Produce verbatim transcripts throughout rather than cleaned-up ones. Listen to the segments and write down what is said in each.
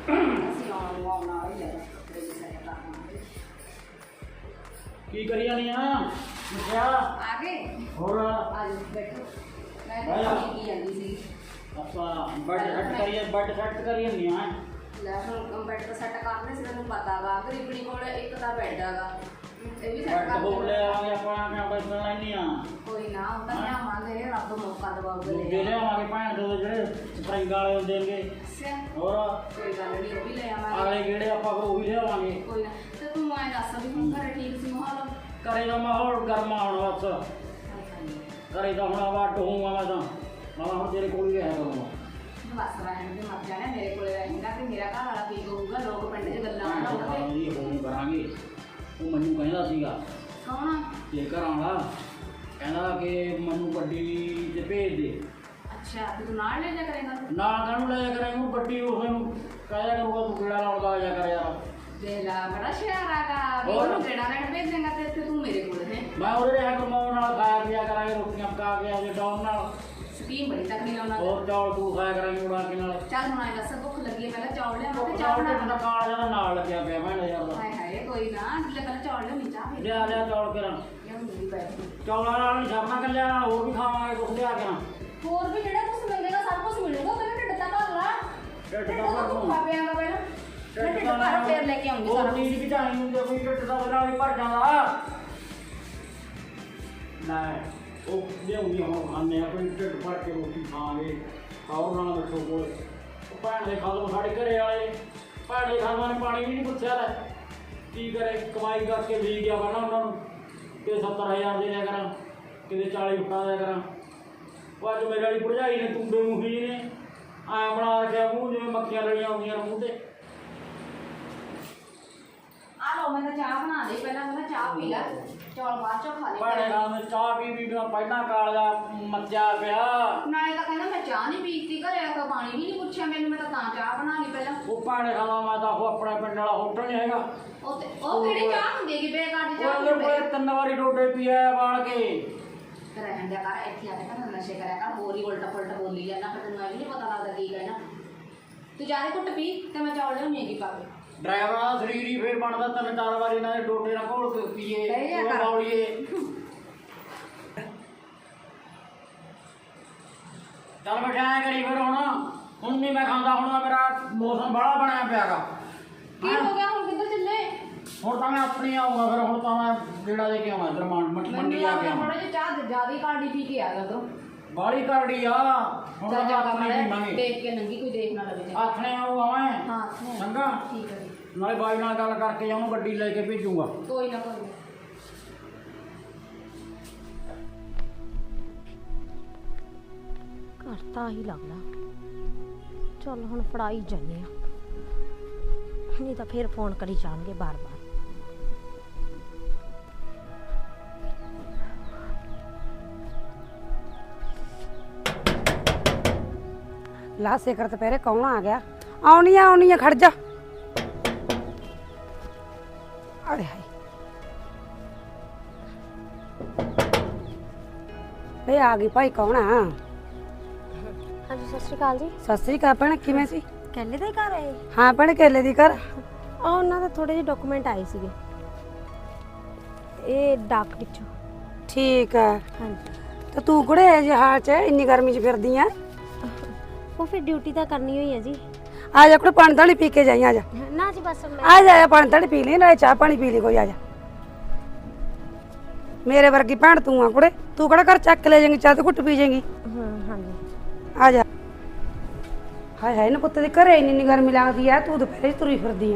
ਅਸੀਂ ਆਉਣ ਨੂੰ ਆਉਣ ਵਾਲੇ ਹੀ ਆ ਕੱਪੜੇ ਵੀ ਸਾਰੇ ਕਰਨਾ। ਕੀ ਕਰੀ ਜਾਨੀ ਆ ਮਿੱਠਿਆ? ਆ ਗਏ ਹੋਰ ਆ ਜਾਓ ਬੈਠੋ। ਮੈਂ ਤਾਂ ਕੀ ਜਾਂਦੀ ਸੀ ਆਪਾਂ ਬੈਡ ਸੈੱਟ ਕਰੀਏ ਬੈਡ ਸੈੱਟ ਕਰੀ ਜਾਂਦੀ ਆ। ਲੈ ਹੁਣ ਬੈਡ ਤਾਂ ਸੈੱਟ ਕਰਨੇ ਸੀ ਤੈਨੂੰ ਪਤਾ ਵਾ ਗਰੀਬਣੀ ਕੋਲ ਇੱਕ ਤਾਂ ਬੈਡ ਹੈਗਾ ਇਹ ਵੀ ਸੈੱਟ ਬੈਡ ਕਰ ਬੋਲ ਲੈ ਆਵਾਂਗੇ ਆਪਾਂ ਕਿਉਂ ਬੈਠਣ ਲੈਣੀ ਆ। ਕੋਈ ਨਾ ਉਹ ਤਾਂ ਲਿਆਵਾਂਗੇ ਰੱਬ ਮੌਕਾ ਦਵਾਊਗਾ ਦੂਜੇ ਲਿਆਵਾਂਗੇ ਭੈਣ ਦੇ ਜਿਹੜੇ ਸਪਰਿੰਗ ਵਾਲੇ ਹੁੰਦੇ ਨੇ। ਅੱਛਾ ਹੋਰ ਕੋਈ ਗੱਲ ਨਹੀਂ ਉਹ ਵੀ ਲੈ ਆਵਾਂਗੇ। ਆਲੇ ਕਿਹੜੇ ਆਪਾਂ ਉਹ ਵੀ ਲਿਆਵਾਂਗੇ। ਕੋਈ ਨਾ ਤੇ ਤੂੰ ਐਂ ਦੱਸ ਵੀ ਹੁਣ ਘਰੇ ਠੀਕ ਸੀ ਮਾਹੌਲ? ਘਰੇ ਦਾ ਮਾਹੌਲ ਗਰਮਾ ਹੁਣ ਬਸ ਘਰੇ ਤਾਂ ਹੁਣ ਆਵਾ ਢੋਊਂਗਾ ਮੈਂ ਤਾਂ ਮੈਂ ਹੁਣ ਤੇਰੇ ਕੋਲ ਹੀ ਰਹਿ ਕਰੂੰਗਾ। ਬਸ ਰਹਿਣ ਦੇ ਮਰ ਜਾਣਾ ਮੇਰੇ ਕੋਲੇ ਰਹੇਗਾ ਤੇ ਮੇਰਾ ਘਰ ਵਾਲਾ ਕੀ ਕਹੂਗਾ ਲੋਕ ਪਿੰਡ 'ਚ ਗੱਲਾਂ ਬਣਾਉਣਗੇ। ਫੋਨ ਕਰਾਂਗੇ ਉਹ ਮੈਨੂੰ ਕਹਿੰਦਾ ਸੀਗਾ ਕੌਣ ਤੇ ਘਰਾਂ ਵਾਲਾ ਕਹਿੰਦਾ ਕਿ ਮੈਨੂੰ ਗੱਡੀ ਤੇ ਭੇਜ ਦੇ। ਅੱਛਾ ਤੇ ਤੂੰ ਨਾਲ ਲੈ ਜਾ ਕਰੇਗਾ? ਨਾ ਕਾਹਨੂੰ ਲੈ ਜਾ ਕਰਾਂਗੇ ਉਹ ਗੱਡੀ ਉਸ ਨੂੰ ਕਹਿਆ ਕਰੂਗਾ ਤੂੰ ਕਿਹੜਾ ਲਾਉਂਦਾ ਆ ਜਾ ਕਰ ਯਾਰ। ਦੇ ਲਾ ਬੜਾ ਸ਼ਿਆਰਾਗਾ ਵੀ ਉਹਨੂੰ ਕਿਹੜਾ ਲੈਣ ਭੇਜੇਗਾ ਤੇ ਇੱਥੇ ਤੂੰ ਮੇਰੇ ਕੋਲ ਹੈ। ਮੈਂ ਉਹਦੇ ਰਿਹਾ ਕਮਾਉਣ ਨਾਲ ਖਾਇਆ ਪੀਆ ਕਰਾਂਗੇ ਰੋਟੀਆਂ ਪਕਾ ਕੇ ਆਜੇ ਡਾਉਨ ਨਾਲ ਸਕੀਮ ਬੜੀ ਤਕੜੀ ਲਾਉਣਾ। ਹੋਰ ਚੌਲ ਤੂੰ ਖਾਇਆ ਕਰਾਂਗੇ ਉਡਾ ਕੇ ਨਾਲ। ਚੱਲ ਹੁਣ ਆਏ ਦੱਸ ਭੁੱਖ ਲੱਗੀ ਹੈ ਪਹਿਲਾਂ ਚੌਲ ਲਿਆਵਾਂ ਤੇ ਚਾਹ ਚੌਲ ਬਣਾ। ਤੇ ਕਾਲ ਜਿਹਾ ਨਾਲ ਲੱਗਿਆ ਪਿਆ ਮੈਂ ਯਾਰ ਦਾ। ਹਾਏ ਹਾਏ ਕੋਈ ਨਾ ਜਿੱਲੇ ਪਹਿਲਾਂ ਚੌਲ ਲਿਆਉਣੀ ਚਾਹ ਫਿਰ ਲਿਆ ਲਿਆ ਚੌਲ ਕਰਾਂ ਲਿਆਉਂਦੀ ਬੈਠੀ। ਚੌਲਾਂ ਨਾਲ ਨਹੀਂ ਛਾਪਣਾ ਕੱਲਿਆ ਨਾਲ ਹੋਰ ਵੀ ਖਾਵਾਂਗੇ ਕੁਛ ਲਿਆ ਕੇ ਨਾ। ਹੋਰ ਵੀ ਜਿਹੜਾ ਕੁਝ ਮੰਗੇਗਾ ਸਭ ਕੁਝ ਮਿਲੂਗਾ ਪਹਿਲਾਂ ਢਿੱਡ ਤਾਂ ਭਰ ਲਾ। ਢਿੱਡ ਤਾਂ ਤਾਂ ਭਰ ਲੂੰ। ਖਾ ਪਿਆਂਗਾ ਪਹਿਲਾਂ ਮੈਂ ਢਿੱਡ ਭਰ ਫੇਰ ਲੈ ਕੇ ਆਉਂਗੀ ਸਾਰਾ ਉਹ ਕੁਝ। ਚੀਜ਼ ਵੀ ਚਾਹੀਦੀ ਹੁੰਦੀ ਆ, ਕੋਈ ਢਿੱਡ ਦਾ ਨਾਲ ਹੀ ਭਰ ਜਾਂਦਾ। ਲੈ ਉਹ ਲਿਆਉਂਦੀ ਹੁਣ ਖਾਂਦੇ ਆ ਕੋਈ ਢਿੱਡ ਭਰ ਕੇ ਰੋਟੀ ਖਾਵਾਂਗੇ ਖਾਓ ਨਾਲ ਬੈਠੋ ਕੋਲ। ਉਹ ਭੈਣ ਦੇ ਖਾਦੋਂ ਸਾਡੇ ਘਰੇ ਵਾਲੇ ਭੈਣ ਦੇ ਖਾਦੋਂ ਨੇ ਪਾਣੀ ਵੀ ਨਹੀਂ ਪੁੱਛਿਆ ਲੈ ਕੀ ਕਰੇ ਕਮਾਈ ਕਰਕੇ ਵੀ ਗਿਆ ਵਾ ਨਾ ਉਹਨਾਂ ਨੂੰ ਕਿ ਸੱਤਰ ਹਜ਼ਾਰ ਦੇ ਦਿਆ ਕਰਾਂ ਕਿਤੇ ਚਾਲੀ ਫੁੱਟਾਂ ਦਿਆ ਕਰਾਂ। ਉਹ ਅੱਜ ਮੇਰੇ ਵਾਲੀ ਭਰਜਾਈ ਨੇ ਤੁੰਬੇ ਮੂੰਹੀ ਨੇ ਐਂ ਬਣਾ ਰੱਖਿਆ ਮੂੰਹ ਜਿਵੇਂ ਮੱਖੀਆਂ ਲੜੀਆਂ ਆਉਂਦੀਆਂ ਨੇ ਮੂੰਹ ਤੇ। ਆ ਲੋ ਮੈਂ ਤਾਂ ਚਾਹ ਬਣਾ ਲਈ ਪਹਿਲਾਂ ਮੈਂ ਚਾਹ ਪੀ ਲੈ ਚੌਲ ਬਾਅਦ ਚੋਂ ਖਾ ਲਈ। ਭੈਣੇ ਨਾਲ ਮੈਂ ਚਾਹ ਪੀ ਪੀ ਮੈਂ ਪਹਿਲਾਂ ਕਾਲਜਾ ਮੱਚਿਆ ਪਿਆ। ਨਾਲੇ ਤਾਂ ਕਹਿੰਦਾ ਮੈਂ ਚਾਹ ਨਹੀਂ ਪੀਤੀ ਘਰੇ ਆ ਕੇ ਪਾਣੀ ਵੀ ਨਹੀਂ ਪੁੱਛਿਆ ਮੈਨੂੰ ਮੈਂ ਤਾਂ ਤਾਂ ਚਾਹ ਬਣਾ ਲਈ ਪਹਿਲਾਂ। ਉਹ ਭੈਣੇ ਖਾਣਾ ਮੈਂ ਤਾਂ ਉਹ ਆਪਣੇ ਪਿੰਡ ਵਾਲਾ ਹੋਟਲ ਨਹੀਂ ਹੈਗਾ ਉਹ ਤੇ ਉਹ ਕਿਹੜੀ ਚਾਹ ਹੁੰਦੀ ਹੈਗੀ ਬੇਕਾਰ ਦੀ ਚਾਹ ਉਹਦੇ ਕੋਲੇ ਤਿੰਨ ਵਾਰੀ ਡੋਡੇ ਪੀਆ ਵਾਲ ਕੇ। ਰਹਿਣ ਦਿਆ ਕਰ ਇੱਥੇ ਆ ਕੇ ਤਾਂ ਨਸ਼ੇ ਕਰਿਆ ਕਰ ਹੋਰ ਹੀ ਉਲਟਾ ਪੁਲਟਾ ਬੋਲੀ ਜਾਂਦਾ ਫਿਰ ਤੈਨੂੰ ਇਹ ਨਹੀਂ ਪਤਾ ਲੱਗਦਾ ਕੀ ਕਹਿਣਾ। ਤੂੰ ਜਾ ਕੇ ਘੁੱਟ ਪੀ ਤੇ ਮੈਂ ਚੌਲ ਲਿਆਉਣੀ ਹੈਗੀ ਪਾ ਕੇ। ਡਰਾਈਵਰ ਦਾ ਸਰੀਰ ਹੀ ਫੇਰ ਬਣਦਾ ਤਿੰਨ ਚਾਰ ਵਾਰੀ ਇਹਨਾਂ ਦੇ ਡੋਡੇ ਨਾਲ ਘੋਲ ਕੇ ਪੀਏ ਬਹਿ ਜਾ ਕਰ। ਬੌਲੀਏ। ਚੱਲ ਬੈਠਾ ਕਰੀ ਫਿਰ ਹੁਣ ਹੁਣ ਨਹੀਂ ਮੈਂ ਖਾਂਦਾ ਹੁਣ ਮੇਰਾ ਮੌਸਮ ਬੜਾ ਬਣਿਆ ਪਿਆਗਾ। ਕੀ ਹੋ ਗਿਆ ਹੁਣ ਕਿੱਧਰ ਚੱਲੇ? ਹੁਣ ਤਾਂ ਮੈਂ ਆਪਣੀ ਆਊਂਗਾ ਫਿਰ ਹੁਣ ਤਾਂ ਮੈਂ ਜਿਹੜਾ ਦੇ ਕੇ ਆਵਾਂ ਇੱਧਰ ਮੰਡੀ ਜਾ ਕੇ ਆਵਾਂ। ਥੋੜਾ ਜਿਹਾ ਚਾਹ ਜ਼ਿਆਦਾ ਕਾੜੀ ਪੀ ਕੇ ਆ ਜਾ ਤੂੰ। ਬਾਲੀ ਕਰੜੀ ਆ ਹੁਣ ਤਾਂ ਜ਼ਿਆਦਾ ਆਪਣੀ ਮਾੜਾ ਪੀਵਾਂਗੇ। ਦੇਖ ਕੇ ਨੰਗੀ ਕੋਈ ਦੇਖ ਨਾ ਲਵੇ। ਆਥਣੇ ਆਊਗਾ ਮੈਂ ਹਾਂ ਚੰਗਾ ਠੀਕ ਹੈ ਜੀ। ਨਾਲੇ ਬਾਈ ਨਾਲ ਗੱਲ ਕਰਕੇ ਜਾਊਂ ਗੱਡੀ ਲੈ ਕੇ ਭੇਜੂਗਾ। ਕੋਈ ਨਾ ਕੋਈ ਨਾ। ਘਰ ਤਾਂ ਹੀ ਲੱਗਦਾ। ਚੱਲ ਹੁਣ ਫੜਾਈ ਜਾਂਦੇ ਆ ਨਹੀਂ ਤਾਂ ਫਿਰ ਫੋਨ ਕਰੀ ਜਾਣਗੇ ਬਾਰ ਬਾਰ। ਲਾ ਸਿਖਰ ਦੁਪਹਿਰੇ ਕੌਣ ਆ ਗਿਆ? ਆਉਣੀ ਆ ਆਉਣੀ ਆ ਖੜ ਜਾ। ਅਰੇ ਹਾਏ ਵੇ ਆ ਗਈ ਭਾਈ ਕੌਣ ਆ? ਹਾਂਜੀ ਸਤਿ ਸ਼੍ਰੀ ਅਕਾਲ ਜੀ। ਸਤਿ ਸ੍ਰੀ ਅਕਾਲ ਭੈਣ ਕਿਵੇਂ ਸੀ? ਕੈਲੇ ਦੇ ਘਰ ਆਏ? ਹਾਂ ਭੈਣ ਕੇਲੇ ਦੀ ਘਰ। ਆ ਉਹਨਾਂ ਦਾ ਥੋੜੇ ਜਿਹੇ ਡਾਕੂਮੈਂਟ ਆਏ ਸੀਗੇ ਇਹ ਡਾਕ ਵਿੱਚੋਂ। ਠੀਕ ਆ ਹਾਂਜੀ ਤੇ ਤੂੰ ਕੁੜੇ ਇਹ ਜਿਹੇ ਹਾਲ ਚ ਇੰਨੀ ਗਰਮੀ ਚ ਫਿਰਦੀ ਆ? ਉਹ ਫਿਰ ਡਿਊਟੀ ਤਾਂ ਕਰਨੀ ਹੋਈ ਹੈ ਜੀ। ਆ ਜਾ ਕੁੜੇ ਪਾਣੀ ਧਾਣੀ ਪੀ ਕੇ ਜਾਈ। ਆ ਜਾ ਨਾ ਜੀ ਬਸ ਮੈਂ ਆ ਜਾ ਪਾਣੀ ਧਾਣੀ ਪੀ ਲਈ ਨਾਲੇ ਚਾਹ ਪਾਣੀ ਪੀ ਲਈ ਕੋਈ। ਆ ਜਾ ਮੇਰੇ ਵਰਗੀ ਭੈਣ ਤੂੰ ਆ ਕੁੜੇ ਤੂੰ ਕਿਹੜਾ ਘਰ ਚੱਕ ਲੈ ਜਾਏਂਗੀ ਚਾਹ ਤੇ ਘੁੱਟ ਪੀ ਜਾਏਂਗੀ। ਹਾਂ ਹਾਂਜੀ ਆ ਜਾ। ਹਾਏ ਹਾਏ ਨਾ ਪੁੱਤ ਦੇ ਘਰੇ ਇੰਨੀ ਇੰਨੀ ਗਰਮੀ ਲੱਗਦੀ ਆ ਤੂੰ ਦੁਪਹਿਰੇ ਤੁਰੀ ਫਿਰਦੀ ਆ।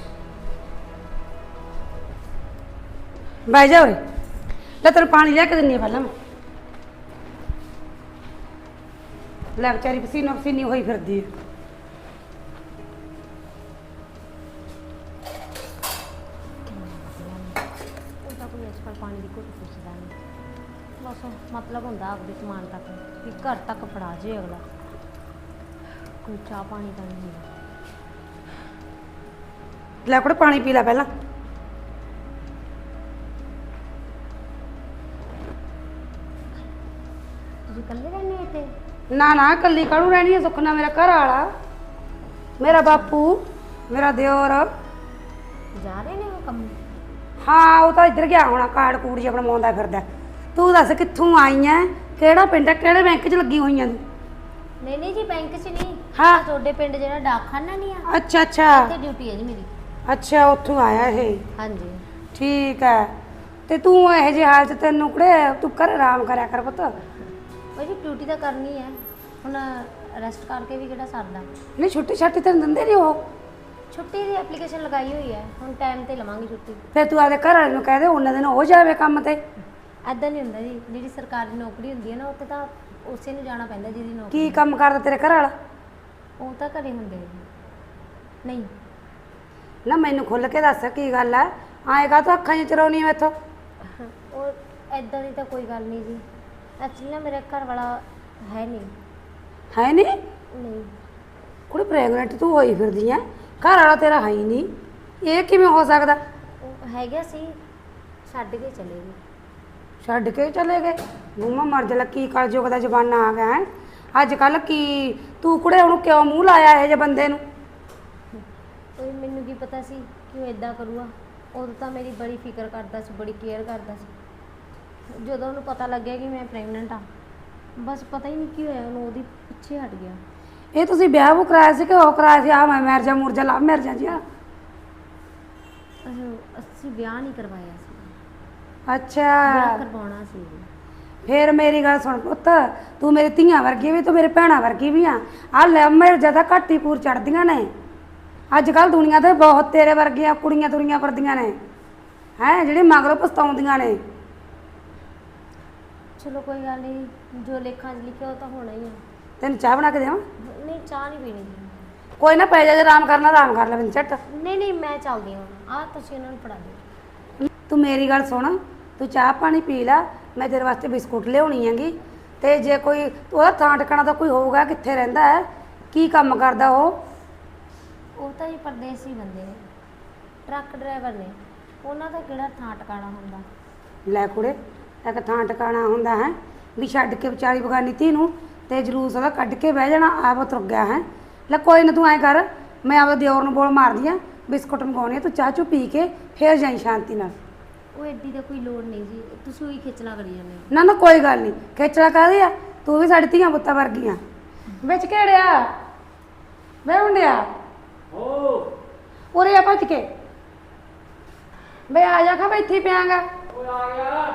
ਬਹਿ ਜਾ ਉਰੇ ਲੈ ਤੈਨੂੰ ਪਾਣੀ ਲਿਆ ਕੇ ਦਿੰਨੀ ਆ ਪਹਿਲਾਂ ਮੈਂ। ਲੈ ਵਿਚਾਰੀ ਪਸੀਨੋ ਪਸੀਨੀ ਹੋਈ ਫਿਰਦੀ ਆ। ਉਹ ਤਾਂ ਕੋਈ ਅੱਜ ਕੱਲ੍ਹ ਪਾਣੀ ਦੀ ਘੁੱਟ ਪੁੱਛਦਾ ਨਹੀਂ। ਬਸ ਮਤਲਬ ਹੁੰਦਾ ਆਪਦੇ ਸਮਾਨ ਤੱਕ ਵੀ ਘਰ ਤੱਕ ਫੜਾ ਜੇ ਅਗਲਾ। ਕੋਈ ਚਾਹ ਪਾਣੀ ਤਾਂ ਨਹੀਂ ਹੁੰਦਾ। ਲੈ ਕੁੜੇ ਪਾਣੀ ਪੀ ਲੈ ਪਹਿਲਾਂ। ਤੁਸੀਂ ਇਕੱਲੇ ਰਹਿੰਦੇ ਇੱਥੇ? ਨਾ ਨਾ ਕੱਲੀ ਕਾਹਨੂੰ ਰਹਿਣੀ ਆ ਸੁੱਖ ਨਾਲ ਮੇਰਾ ਘਰ ਵਾਲਾ ਮੇਰਾ ਬਾਪੂ ਮੇਰਾ ਦਿਓਰ ਜਾ ਰਹੇ ਨੇ ਉਹ ਕੰਮ? ਹਾਂ ਉਹ ਤਾਂ ਇੱਧਰ ਗਿਆ ਹੋਣਾ, ਕਾਰਡ ਕੂੜ ਜਿਹਾ ਬਣਵਾਉਂਦਾ ਫਿਰਦਾ। ਤੂੰ ਦੱਸ ਕਿੱਥੋਂ ਆਈ ਐ, ਕਿਹੜਾ ਪਿੰਡ ਹੈ, ਕਿਹੜੇ ਬੈਂਕ 'ਚ ਲੱਗੀ ਹੋਈਆਂ ਤੂੰ? ਨਹੀਂ ਨਹੀਂ ਜੀ, ਬੈਂਕ 'ਚ ਨਹੀਂ। ਹਾਂ। ਆਹ ਤੁਹਾਡੇ ਪਿੰਡ ਜਿਹੜਾ ਡਾਕਖਾਨਾ ਨਹੀਂ ਆ, ਅੱਛਾ ਅੱਛਾ ਤੇ ਡਿਊਟੀ ਹੈ ਜੀ ਮੇਰੀ। ਅੱਛਾ ਉੱਥੋਂ ਆਇਆ ਇਹ। ਹਾਂਜੀ। ਠੀਕ ਹੈ। ਤੇ ਤੂੰ ਇਹੋ ਜਿਹੇ ਹਾਲ 'ਚ ਤੈਨੂੰ ਕੁੜੇ ਤੂੰ ਕਰ ਆਰਾਮ ਕਰਿਆ ਕਰ ਪੁੱਤ। ਭਾਜੀ ਡਿਊਟੀ ਤਾਂ ਕਰਨੀ ਹੈ ਹੁਣ, ਰੈਸਟ ਕਰਕੇ ਵੀ ਕਿਹੜਾ ਸਰਦਾ। ਨਹੀਂ ਛੁੱਟੀ ਛਾਟੀ ਤੈਨੂੰ ਦਿੰਦੇ ਨਹੀਂ ਉਹ? ਛੁੱਟੀ ਦੀ ਐਪਲੀਕੇਸ਼ਨ ਲਗਾਈ ਹੋਈ ਹੈ, ਹੁਣ ਟਾਈਮ ਤੇ ਲਵਾਂਗੀ ਛੁੱਟੀ। ਫਿਰ ਤੂੰ ਆਪਦੇ ਘਰ ਵਾਲੇ ਨੂੰ ਕਹਿ ਦੇ ਉਹਨਾਂ ਦਿਨ ਉਹ ਜਾਵੇ ਕੰਮ ਤੇ। ਐਦਾਂ ਨਹੀਂ ਹੁੰਦਾ ਜੀ, ਜਿਹੜੀ ਸਰਕਾਰੀ ਨੌਕਰੀ ਹੁੰਦੀ ਹੈ ਨਾ ਉੱਥੇ ਤਾਂ ਉਸੇ ਨੂੰ ਜਾਣਾ ਪੈਂਦਾ ਜਿਹਦੀ ਨੌਕਰੀ। ਕੀ ਕੰਮ ਕਰਦਾ ਤੇਰੇ ਘਰ ਵਾਲਾ? ਉਹ ਤਾਂ ਘਰੇ ਹੁੰਦੇ ਜੀ। ਨਹੀਂ ਨਾ ਮੈਨੂੰ ਖੁੱਲ ਕੇ ਦੱਸ ਕੀ ਗੱਲ ਹੈ, ਆਏਗਾ ਤਾਂ ਅੱਖਾਂ 'ਚ ਚਰਾਉਣੀ ਮੈਥੋਂ। ਉਹ ਐਦਾਂ ਦੀ ਤਾਂ ਕੋਈ ਗੱਲ ਨਹੀਂ ਜੀ, ਐਕਚੁਅਲੀ ਨਾ ਮੇਰਾ ਘਰ ਵਾਲਾ ਹੈ ਨਹੀਂ। ਹੈ ਨਹੀਂ? ਨਹੀਂ ਕੁੜੀ ਪ੍ਰੈਗਨੈਂਟ ਤੂੰ ਹੋਈ ਫਿਰਦੀ ਐ, ਘਰ ਵਾਲਾ ਤੇਰਾ ਹੈ ਹੀ ਨਹੀਂ, ਇਹ ਕਿਵੇਂ ਹੋ ਸਕਦਾ? ਉਹ ਹੈਗਾ ਸੀ, ਛੱਡ ਕੇ ਚਲੇ ਗਏ। ਛੱਡ ਕੇ ਚਲੇ ਗਏ? ਮੂੰਹਾਂ ਮਰ ਜਾ, ਕੀ ਕਲਯੁਗ ਦਾ ਜ਼ਮਾਨਾ ਆ ਗਿਆ ਹੈ ਅੱਜ ਕੱਲ। ਕੀ ਤੂੰ ਕੁੜੇ ਉਹਨੂੰ ਕਿਉਂ ਮੂੰਹ ਲਾਇਆ ਇਹੋ ਜਿਹੇ ਬੰਦੇ ਨੂੰ? ਉਹ ਮੈਨੂੰ ਕੀ ਪਤਾ ਸੀ ਕਿ ਉਹ ਇਦਾਂ ਕਰੂਗਾ। ਉਦੋਂ ਤਾਂ ਮੇਰੀ ਬੜੀ ਫਿਕਰ ਕਰਦਾ ਸੀ, ਬੜੀ ਕੇਅਰ ਕਰਦਾ ਸੀ। ਜਦੋਂ ਉਹਨੂੰ ਪਤਾ ਲੱਗਿਆ ਕਿ ਮੈਂ ਪ੍ਰੈਗਨੈਂਟ ਆ, ਬਸ ਪਤਾ ਹੀ ਨਹੀਂ ਕੀ ਹੋਇਆ ਉਹਨੂੰ, ਉਹਦੀ ਪਿੱਛੇ ਹਟ ਗਿਆ। ਇਹ ਤੁਸੀਂ ਵਿਆਹ ਉਹ ਕਰਾਇਆ ਸੀ ਕਿ ਉਹ ਕਰਾਇਆ ਸੀ? ਆ ਮੈਂ ਮਿਰਜਾ ਮੁਰਜਾ ਲਾ ਮਿਰਜਾ ਜੀ। ਅਹ ਅਸੀਂ ਵਿਆਹ ਨਹੀਂ ਕਰਵਾਇਆ ਸੀ, ਅੱਛਾ ਵਿਆਹ ਕਰਵਾਉਣਾ ਸੀ। ਫੇਰ ਮੇਰੀ ਗੱਲ ਸੁਣ ਪੁੱਤ, ਤੂੰ ਮੇਰੀ ਧੀਆਂ ਵਰਗੀ ਵੀ, ਤੂੰ ਮੇਰੇ ਭੈਣਾਂ ਵਰਗੀ ਵੀ ਆ। ਆ ਲੈ ਮਿਰਜਾ ਤਾਂ ਘੱਟ ਹੀ ਪੂਰ ਚੜਦੀਆਂ ਨੇ ਅੱਜ ਕੱਲ ਦੁਨੀਆ ਤੇ, ਬਹੁਤ ਤੇਰੇ ਵਰਗੀਆਂ ਕੁੜੀਆਂ ਤੁਰੀਆਂ ਫਿਰਦੀਆਂ ਨੇ ਹੈ ਜਿਹੜੀ ਮਗਰੋਂ ਪਛਤਾਉਂਦੀਆਂ ਨੇ। ਚਲੋ ਕੋਈ ਗੱਲ ਨਹੀਂ, ਜੋ ਲੇਖਾਂ 'ਚ ਲਿਖਿਆ ਉਹ ਤਾਂ ਹੋਣਾ ਹੀ ਆ। ਤੈਨੂੰ ਚਾਹ ਬਣਾ ਕੇ ਦੇਵਾਂ? ਨਹੀਂ ਚਾਹ ਨਹੀਂ ਪੀਣੀ ਜੀ। ਕੋਈ ਨਾ ਪੈ ਜਾ, ਜੇ ਆਰਾਮ ਕਰਨਾ ਆਰਾਮ ਕਰ ਲੈ ਬਿੰਦ ਝੱਟ। ਨਹੀਂ ਨਹੀਂ ਮੈਂ ਚੱਲਦੀ ਹਾਂ, ਆਹ ਤੁਸੀਂ ਉਹਨਾਂ ਨੂੰ ਫੜਾ ਦਿਓ। ਤੂੰ ਮੇਰੀ ਗੱਲ ਸੁਣ, ਤੂੰ ਚਾਹ ਪਾਣੀ ਪੀ ਲੈ, ਮੈਂ ਤੇਰੇ ਵਾਸਤੇ ਬਿਸਕੁਟ ਲਿਆਉਣੀ ਹੈਗੀ। ਤੇ ਜੇ ਕੋਈ ਉਹਦਾ ਥਾਂ ਟਿਕਾਣਾ ਤਾਂ ਕੋਈ ਹੋਊਗਾ, ਕਿੱਥੇ ਰਹਿੰਦਾ ਹੈ, ਕੀ ਕੰਮ ਕਰਦਾ ਉਹ? ਉਹ ਤਾਂ ਹੀ ਪਰਦੇਸੀ ਬੰਦੇ ਨੇ, ਟਰੱਕ ਡਰਾਈਵਰ ਨੇ, ਉਹਨਾਂ ਦਾ ਕਿਹੜਾ ਥਾਂ ਟਿਕਾਣਾ ਹੁੰਦਾ। ਲੈ ਕੁੜੇ, ਇੱਕ ਥਾਂ ਟਿਕਾਣਾ ਹੁੰਦਾ ਹੈ ਵੀ ਛੱਡ ਕੇ ਵਿਚਾਰੀ ਬਗਾਨੀ ਧੀ ਨੂੰ ਤੇ ਜਲੂਸ ਉਹਦਾ ਕੱਢ ਕੇ ਬਹਿ ਜਾਣਾ, ਆਪ ਤੁਰ ਗਿਆ ਹੈ। ਲੈ ਕੋਈ ਨਾ ਤੂੰ ਐਂ ਕਰ, ਮੈਂ ਆਪਦੇ ਦਿਓਰ ਨੂੰ ਬੋਲ ਮਾਰਦੀ ਆ, ਬਿਸਕੁਟ ਮੰਗਾਉਣੇ ਆ, ਤੂੰ ਚਾਹ ਚੂ ਪੀ ਕੇ ਫੇਰ ਜਾਈ ਸ਼ਾਂਤੀ ਨਾਲ। ਉਹ ਐਡੀ ਦਾ ਕੋਈ ਲੋੜ ਨਹੀਂ ਜੀ, ਤੁਸੀਂ ਉਹੀ ਖਿੱਚਣਾ ਕਰੀ ਜਾਂਦੇ ਹੋ। ਨਾ ਨਾ ਕੋਈ ਗੱਲ ਨਹੀਂ, ਖੇਚਲਾ ਕਾਹਦੀ ਆ, ਤੂੰ ਵੀ ਸਾਡੀ ਧੀਆਂ ਪੁੱਤਾਂ ਵਰਗੀਆਂ। ਵਿੱਚ ਕਿਹੜਿਆ ਬੈ ਹੁੰਡਿਆ ਓ ਉਰੇ ਆ ਭੱਜ ਕੇ ਬਈ ਆ ਜਾ, ਖਾ ਇੱਥੇ ਹੀ ਪਿਆਂਗਾ। ਓਏ ਆ ਗਿਆ।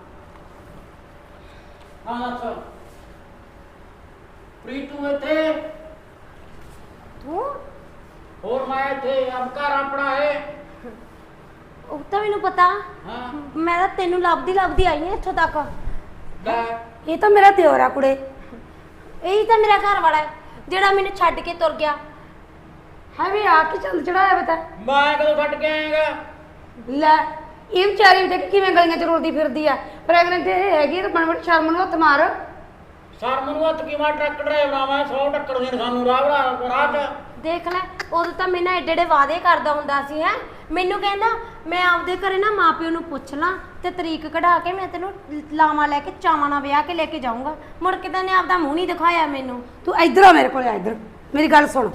ਹਾਂ ਅੱਛਾ ਪ੍ਰੀਤੂ ਇੱਥੇ, ਤੂੰ ਹੋਰ ਮੈਂ ਇੱਥੇ, ਅਬ ਘਰ ਆਪਣਾ ਹੈ। ਉਹ ਤਾਂ ਮੈਨੂੰ ਪਤਾ, ਹਾਂ ਮੈਂ ਤਾਂ ਤੈਨੂੰ ਲੱਭਦੀ ਲੱਭਦੀ ਆਈ ਹਾਂ ਇੱਥੋਂ ਤੱਕ। ਲੈ ਇਹ ਤਾਂ ਮੇਰਾ ਦਿਓਰ ਆ ਕੁੜੇ। ਇਹੀ ਤਾਂ ਮੇਰਾ ਘਰ ਵਾਲਾ ਹੈ ਜਿਹੜਾ ਮੈਨੂੰ ਛੱਡ ਕੇ ਤੁਰ ਗਿਆ। ਹੈ ਵੀ ਆ ਕੀ ਚੰਦ ਚੜਾਇਆ ਬਤਾ। ਮੈਂ ਕਦੋਂ ਛੱਡ ਕੇ ਆਏਗਾ? ਲੈ ਇਹ ਵਿਚਾਰੀ ਵੀ ਦੇਖ ਕਿਵੇਂ ਗਲੀਆਂ ਚ ਰੁਲਦੀ ਫਿਰਦੀ ਆ, ਪ੍ਰੈਗਨੈਂਟ ਇਹ ਹੈਗੀ ਤਾਂ ਬਣ ਬਣ ਸ਼ਰਮ ਨੂੰ ਹੱਥ ਮਾਰ। ਸਰ ਮੈਨੂੰ ਹੱਥ ਕੀ ਮਾਰ, ਟਰੱਕ ਡਰਾਈਵਰ ਮੈਂ ਸੌ ਟੱਕਰ ਦੇ ਸਾਨੂੰ ਰਾਹ ਰਾਹ ਰਾਹ ਚ। ਦੇਖ ਲੈ, ਉਦੋਂ ਤਾਂ ਮੇਰੇ ਨਾਲ ਏਡੇ ਏਡੇ ਵਾਅਦੇ ਕਰਦਾ ਹੁੰਦਾ ਸੀ ਹੈ। ਮੈਨੂੰ ਕਹਿੰਦਾ ਮੈਂ ਆਪਦੇ ਘਰੇ ਨਾ ਮਾਪਿਓ ਨੂੰ ਪੁੱਛ ਲਾਂ ਤੇ ਤਰੀਕ ਕਢਾ ਕੇ ਮੈਂ ਤੈਨੂੰ ਲਾਵਾਂ ਲੈ ਕੇ ਚਾਵਾਂ ਨਾਲ ਵਿਆਹ ਕੇ ਲੈ ਕੇ ਜਾਊਂਗਾ। ਮੁੜ ਕੇ ਤਾਂ ਨੇ ਆਪਦਾ ਮੂੰਹ ਨਹੀਂ ਦਿਖਾਇਆ ਮੈਨੂੰ। ਤੂੰ ਇੱਧਰ ਆ ਮੇਰੇ ਕੋਲ, ਆ ਇੱਧਰ ਮੇਰੀ ਗੱਲ ਸੁਣ।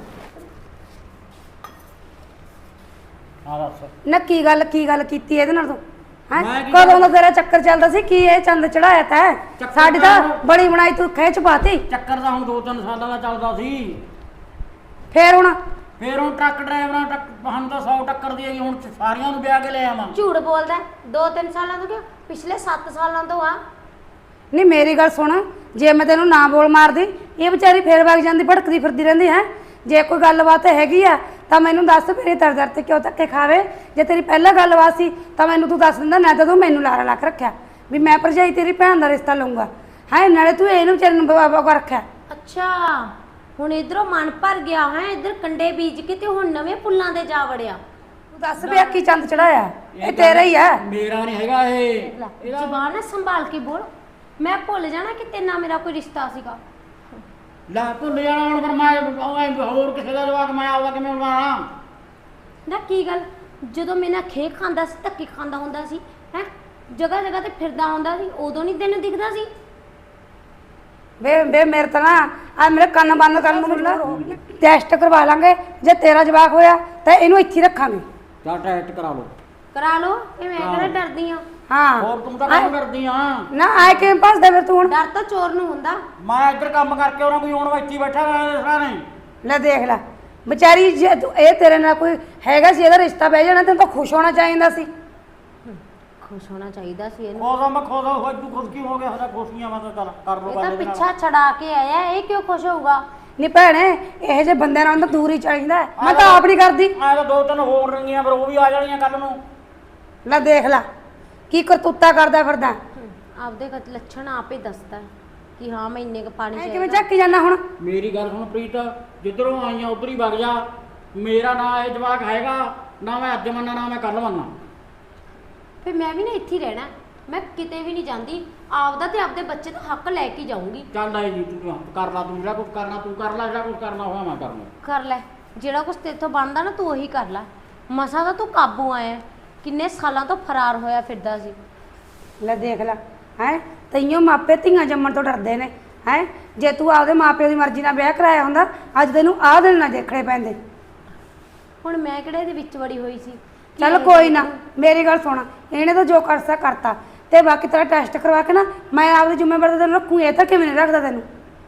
ਹਾਂ ਦੱਸ। ਨਾ ਕੀ ਗੱਲ ਕੀ ਗੱਲ ਕੀਤੀ ਇਹਦੇ ਨਾਲ ਤੂੰ ਹੈ? ਮੈਂ ਕੀ ਕਦੋਂ ਦਾ ਤੇਰਾ ਚੱਕਰ ਚੱਲਦਾ ਸੀ, ਕੀ ਇਹ ਚੰਦ ਚੜਾਇਆ ਤੈਂ? ਚੱਕਰ ਸਾਡੀ ਤਾਂ ਤਾਂ- ਬੜੀ ਬਣਾਈ ਤੂੰ ਖਿੱਚ ਪਾਤੀ। ਚੱਕਰ ਤਾਂ ਹੁਣ ਦੋ ਤਿੰਨ ਸਾਲਾਂ ਦਾ ਚੱਲਦਾ ਸੀ। ਫੇਰ ਹੁਣ ਫੇਰ ਹੁਣ ਟਰੱਕ ਡਰਾਈਵਰਾਂ ਟੱਕ ਸਾਨੂੰ ਤਾਂ ਸੌ ਟੱਕਰ ਦੀ ਹੈਗੀ, ਹੁਣ ਸਾਰਿਆਂ ਨੂੰ ਵਿਆਹ ਕੇ ਲੈ ਆਵਾਂ। ਝੂਠ ਬੋਲਦਾ, ਦੋ ਤਿੰਨ ਸਾਲਾਂ ਤੋਂ ਕਿਉਂ, ਪਿਛਲੇ ਸੱਤ ਸਾਲਾਂ ਤੋਂ ਆ। ਨਹੀਂ ਮੇਰੀ ਗੱਲ ਸੁਣ, ਜੇ ਮੈਂ ਤੈਨੂੰ ਨਾ ਬੋਲ ਮਾਰਦੀ ਇਹ ਵਿਚਾਰੀ ਫੇਰ ਵਗ ਜਾਂਦੀ, ਭਟਕਦੀ ਫਿਰਦੀ ਰਹਿੰਦੀ ਹੈ। ਜੇ ਕੋਈ ਗੱਲਬਾਤ ਹੈਗੀ ਆ ਤਾਂ ਮੈਨੂੰ ਦੱਸ, ਮੇਰੇ ਦਰ ਦਰ ਤੇ ਕਿਉਂ ਧੱਕੇ ਖਾਵੇ? ਜੇ ਤੇਰੀ ਪਹਿਲਾਂ ਗੱਲਬਾਤ ਸੀ ਤਾਂ ਮੈਨੂੰ ਤੂੰ ਦੱਸ ਦਿੰਦਾ, ਨਾ ਤਾਂ ਤੂੰ ਮੈਨੂੰ ਲਾਰਾ ਲੱਖ ਰੱਖਿਆ ਵੀ ਮੈਂ ਭਰਜਾਈ ਤੇਰੀ ਭੈਣ ਦਾ ਰਿਸ਼ਤਾ ਲਊਂਗਾ ਹੈ, ਨਾਲੇ ਤੂੰ ਇਹਨੂੰ ਵਿਚਾਰੇ ਨੂੰ ਬਾਬਾ ਕੋ ਰੱਖਿਆ। ਅੱਛਾ ਹੁਣ ਇਧਰੋਂ ਮਨ ਭਰ ਗਿਆ ਹੈ, ਇਧਰ ਕੰਡੇ ਬੀਜ ਕੇ ਤੇ ਹੁਣ ਨਵੇਂ ਪੁੱਲਾਂ ਦੇ ਜਾ ਵੜਿਆ। ਤੂੰ ਦੱਸ ਵੀ ਕੀ ਚੰਦ ਚੜਾਇਆ? ਇਹ ਤੇਰਾ ਹੀ ਆ। ਮੇਰਾ ਨਹੀਂ ਹੈਗਾ ਇਹ। ਇਹਦਾ ਜ਼ਬਾਨ ਨਾ ਸੰਭਾਲ ਕੇ ਬੋਲ, ਮੈਂ ਭੁੱਲ ਜਾਣਾ ਕਿ ਤੇਰੇ ਨਾਲ ਮੇਰਾ ਕੋਈ ਰਿਸ਼ਤਾ ਸੀਗਾ। ਲੈ ਭੁੱਲ ਜਾਣਾ ਹੁਣ, ਫਿਰ ਮੈਂ ਉਹ ਹੋਰ ਕਿਸੇ ਦਾ ਜਵਾਕ ਮੈਂ ਆਉਂਦਾ ਕਿਵੇਂ ਬਣਾਣਾ? ਨਾ ਕੀ ਗੱਲ, ਜਦੋਂ ਮੇਰੇ ਨਾਲ ਖੇ ਖਾਂਦਾ ਸੀ, ਧੱਕੇ ਖਾਂਦਾ ਹੁੰਦਾ ਸੀ ਹੈ, ਜਗ੍ਹਾ ਜਗ੍ਹਾ ਤੇ ਫਿਰਦਾ ਹੁੰਦਾ ਸੀ, ਉਦੋਂ ਨਹੀਂ ਤੈਨੂੰ ਦਿਖਦਾ ਸੀ? ਵੇ ਵੇ ਮੇਰੇ ਤਾਂ ਨਾ ਆ ਮੇਰੇ ਕੰਨ ਬੰਦ ਕਰਨ ਨੂੰ ਮਿਲਣਾ ਟੈਸਟ ਕਰਵਾ ਲਾਂਗੇ ਜੇ ਤੇਰਾ ਜਵਾਕ ਹੋਇਆ ਤਾਂ ਇਹਨੂੰ ਇੱਥੇ ਹੀ ਰੱਖਾਂਗੇ। ਜਾਂ ਟੈਸਟ ਕਰਾ ਲਓ। ਕਰਾ ਲਓ ਇਹ ਮੈਂ ਕਿਹੜਾ ਡਰਦੀ ਆ। ਹਾਂ ਹੋਰ ਤੂੰ ਤਾਂ ਕੰਮ ਕਰਦੀ ਆ। ਨਾ ਆਏ ਕਿਵੇਂ ਭੱਜਦਾ ਫਿਰ ਤੂੰ ਹੁਣ? ਡਰ ਤਾਂ ਚੋਰ ਨੂੰ ਹੁੰਦਾ। ਮੈਂ ਇੱਧਰ ਕੰਮ ਕਰਕੇ ਉਹਨਾਂ ਕੋਈ ਹੁਣ ਇੱਥੇ ਬੈਠਾ ਹੋਇਆ ਸਾਰਾ ਨਹੀਂ। ਲੈ ਦੇਖ ਲੈ ਵਿਚਾਰੀ ਜੇ ਤੂੰ ਇਹ ਤੇਰੇ ਨਾਲ ਕੋਈ ਹੈਗਾ ਸੀ ਇਹਦਾ ਰਿਸ਼ਤਾ ਬਹਿ ਜਾਣਾ ਤੈਨੂੰ ਤਾਂ ਖੁਸ਼ ਹੋਣਾ ਚਾਹੀਦਾ ਸੀ। ਖੁਸ਼ ਹੋਣਾ ਚਾਹੀਦਾ ਸੀ ਇਹਨੂੰ। ਖੋਦਾ ਮੈਂ ਖੋਦਾ ਹੋਇਆ ਤੂੰ ਖੁਦ ਕੀ ਹੋ ਗਿਆ ਸਾਡਾ ਖੁਸ਼ੀਆਂ ਮੈਂ ਤਾਂ ਚੱਲ ਕਰ ਲੋ ਇਹ ਤਾਂ ਪਿੱਛਾ ਛਡਾ ਕੇ ਆਇਆ ਇਹ ਕਿਉਂ ਖੁਸ਼ ਹੋਊਗਾ? ਨਹੀਂ ਭੈਣੇ ਇਹੋ ਜਿਹੇ ਬੰਦਿਆਂ ਨਾਲ ਤਾਂ ਦੂਰ ਹੀ ਚਾਹੀਦਾ ਹੈ। ਮੈਂ ਤਾਂ ਆਪ ਨਹੀਂ ਕਰਦੀ। ਮੈਂ ਤਾਂ ਦੋ ਤਿੰਨ ਹੋਰ ਰੰਗੀਆਂ ਪਰ ਉਹ ਵੀ ਆ ਜਾਣੀਆਂ ਕੱਲ ਨੂੰ। ਲੈ ਦੇਖ ਲੈ ਕੀ ਕਰਤੂਤਾ ਕਰਦਾ ਫਿਰਦਾ। ਆਪਦੇ ਕ- ਲੱਛਣ ਆਪੇ ਦੱਸਦਾ ਕਿ ਹਾਂ ਮੈਂ ਇੰਨੇ ਕ ਪਾਣੀ ਐ ਚਾਹੀਦਾ। ਕਿਵੇਂ ਚੱਕੀ ਜਾਂਦਾ ਹੁਣ? ਮੇਰੀ ਗੱਲ ਸੁਣ ਪ੍ਰੀਤ, ਜਿੱਧਰੋਂ ਆਈਆਂ ਉਧਰ ਹੀ ਵਗ ਜਾ। ਮੇਰਾ ਨਾਂ ਇਹ ਜਵਾਕ ਹੈਗਾ ਨਾ, ਮੈਂ ਅੱਜ ਮੰਨਾਂ ਨਾ ਮੈਂ ਕੱਲ ਮੰਨਾਂ। ਫਿਰ ਮੈਂ ਵੀ ਨਾ ਇੱਥੇ ਹੀ ਰਹਿਣਾ, ਮੈਂ ਕਿਤੇ ਵੀ ਨਹੀਂ ਜਾਂਦੀ। ਆਪਦਾ ਤੇ ਆਪਦੇ ਬੱਚੇ ਦਾ ਹੱਕ ਲੈ ਕੇ ਜਾਊਂਗੀ। ਚੱਲ ਆਈ ਜੀ ਤੂੰ ਕਰ ਲਾ, ਤੂੰ ਜਿਹੜਾ ਕੁਝ ਕਰਨਾ ਤੂੰ ਕਰ ਲੈ, ਜਿਹੜਾ ਕੁਝ ਕਰਨਾ ਹੋਇਆ ਮੈਂ ਕਰਨਾ। ਕਰ ਲੈ ਜਿਹੜਾ ਕੁਛ ਤੇਥੋਂ ਬਣਦਾ ਨਾ ਤੂੰ ਉਹੀ ਕਰ ਲੈ। ਮਸਾਂ ਦਾ ਤੂੰ ਕਾਬੂ ਆਇਆ, ਕਿੰਨੇ ਸਾਲਾਂ ਤੋਂ ਫਰਾਰ ਹੋਇਆ ਫਿਰਦਾ ਸੀ। ਲੈ ਦੇਖ ਲੈ ਹੈ ਤਈਓ ਮਾਪੇ ਧੀਆਂ ਜੰਮਣ ਤੋਂ ਡਰਦੇ ਨੇ ਹੈ। ਜੇ ਤੂੰ ਆਪਦੇ ਮਾਪਿਆਂ ਦੀ ਮਰਜ਼ੀ ਨਾਲ ਵਿਆਹ ਕਰਾਇਆ ਹੁੰਦਾ ਅੱਜ ਤੈਨੂੰ ਆਹ ਦਿਨ ਨਾ ਦੇਖਣੇ ਪੈਂਦੇ। ਹੁਣ ਮੈਂ ਕਿਹੜੇ ਇਹਦੇ ਵਿੱਚ ਵੜੀ ਹੋਈ ਸੀ ਕਿ ਚੱਲ ਇਹ ਕੋਈ ਨਾ ਮੇਰੀ ਗੱਲ ਸੁਣ, ਇਹਨੇ ਤਾਂ ਜੋ ਕਰਸਾ ਕਰਤਾ ਤੇ ਬਾਕੀ ਤੇਰਾ ਟੈਸਟ ਕਰਵਾ ਕੇ ਨਾ ਮੈਂ ਆਪਦੀ ਜ਼ਿੰਮੇਵਾਰੀ ਤੈਨੂੰ ਰੱਖੂ। ਇਹ ਤਾਂ ਕਿਵੇਂ ਨਹੀਂ ਰੱਖਦਾ ਤੈਨੂੰ।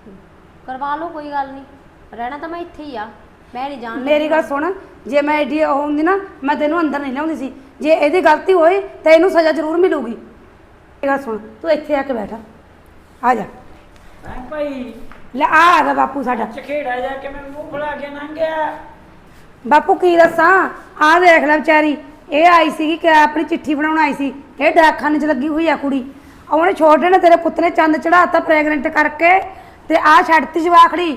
ਕਰਵਾ ਲਓ ਕੋਈ ਗੱਲ ਨਹੀਂ, ਰਹਿਣਾ ਤਾਂ ਮੈਂ ਇੱਥੇ ਹੀ ਆ, ਮੈਂ ਨਹੀਂ ਜਾਣ ਮੇਰੀ ਗੱਲ ਸੁਣ, ਜੇ ਮੈਂ ਐਡੀ ਉਹ ਹੁੰਦੀ ਨਾ ਮੈਂ ਤੈਨੂੰ ਅੰਦਰ ਨਹੀਂ ਲਿਆਉਂਦੀ ਸੀ। ਜੇ ਇਹਦੀ ਗਲਤੀ ਹੋਈ ਤਾਂ ਇਹਨੂੰ ਸਜ਼ਾ ਜ਼ਰੂਰ ਮਿਲੂਗੀ। ਮੇਰੀ ਗੱਲ ਸੁਣ ਤੂੰ ਇੱਥੇ ਆ ਕੇ ਬੈਠ, ਆ ਜਾ। ਹਾਂ ਭਾਈ ਲੈ ਆ ਆ ਗਿਆ ਬਾਪੂ ਸਾਡਾ। ਚਖੇੜਾ ਜਾ ਕੇ ਮੈਂ ਮੂੰਹ ਫੁਲਾ ਕੇ ਲੰਘਿਆ। ਬਾਪੂ ਕੀ ਦੱਸਾਂ, ਆ ਦੇਖ ਲੈ ਵਿਚਾਰੀ ਇਹ ਆਈ ਸੀਗੀ ਕਿ ਆਪਣੀ ਚਿੱਠੀ ਬਣਾਉਣ ਆਈ ਸੀ। ਇਹ ਡਾਕਖਾਨੇ 'ਚ ਲੱਗੀ ਹੋਈ ਆ ਕੁੜੀ। ਉਹਨੇ ਛੋਟੇ ਨੇ ਤੇਰੇ ਪੁੱਤ ਨੇ ਚੰਦ ਚੜਾਤਾ ਪ੍ਰੈਗਨੈਂਟ ਕਰਕੇ ਤੇ ਆ ਛੱਡਤੀ ਜਵਾਖੜੀ।